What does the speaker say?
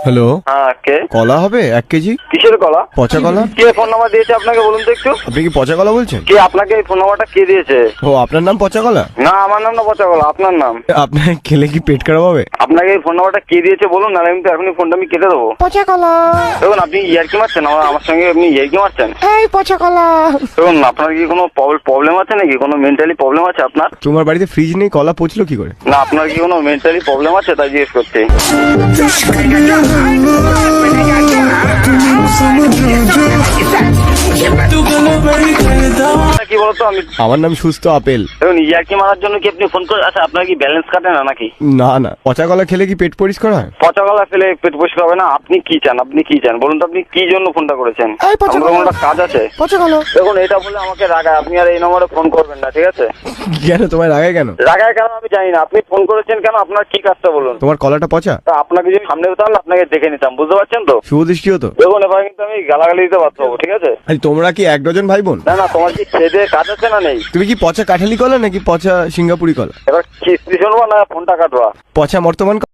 Hello, হ্যাঁ কে? কলা হবে 1 কেজি? কিসের কলা? পচা কলা। কে ফোন নাম্বার দিয়েছে আপনাকে বলুন তো একটু? আপনি কি পচা কলা বলছেন? কে আপনাকে এই ফোন নাম্বারটা কে দিয়েছে? ও, আপনার নাম পচা কলা? না আমার নাম না পচা কলা, আপনার নাম। আপনার খেলে কি পেট খারাপ হবে? আপনাকে এই ফোন নাম্বারটা কে দিয়েছে বলুন, না আমি তো এখনই ফোনটা আমি কেটে দেবো। পচা কলা। দেখুন আপনি ইয়ার্কি মারছেন, আমার সঙ্গে আপনি ইয়ার্কি মারছেন। এই পচা কলা। দেখুন আপনার কি কোনো প্রবলেম আছে নাকি? কোনো মেন্টালি প্রবলেম আছে আপনার? তোমার বাড়িতে ফ্রিজ নেই, কলা পচলো কি করে? না আপনার কি কোনো মেন্টালি প্রবলেম আছে তাই জিজ্ঞেস করছি। কি বলতো আমি আমার নাম সুস্থ আপেল। দেখুন ইয়ার্কি মারার জন্য কি আপনি ফোন করে? আচ্ছা আপনার কি ব্যালেন্স কাটে না নাকি? না না, পচা কলা খেলে কি পেট পরিষ্কার হয়? পচা গলা ফেলে পেট পরিষ্কার হবে না? আপনি কি চান? আপনি কি চান বলুন তো? আপনি কি জন্য ফোনটা করেছেন? এই পচা আমার গলা। কোনো কাজ আছে? পচা কলা। দেখুন এটা বলে আমাকে রাগায়, আপনি আর এই নম্বরে ফোন করবেন না, ঠিক আছে? কেন তোমায় রাগায় কেন? রাগায় কেন আমি জানি না, আপনি ফোন করেছেন কেন? আপনার কি কাজটা বলুন? তোমার কলাটা পচা? তা আপনাকে যদি সামনে হতে হলে আপনাকে দেখে নিতাম, বুঝতে পারছেন তো? শুভ দৃষ্টি হতো। দেখুন এবার কিন্তু আমি গালাগালি দিতে বাধ্য হবো, ঠিক আছে? আরে তোমরা কি 1 ডজন ভাই বোন? না না, তোমার কি খেয়ে দেয়ে কাজ আছে না নেই? তুমি কি পচা কাঠালি কলা নাকি পচা সিঙ্গাপুরি কলা? এবার কিস্তি শুনবো না ফোনটা কাটবা? পচা বর্তমান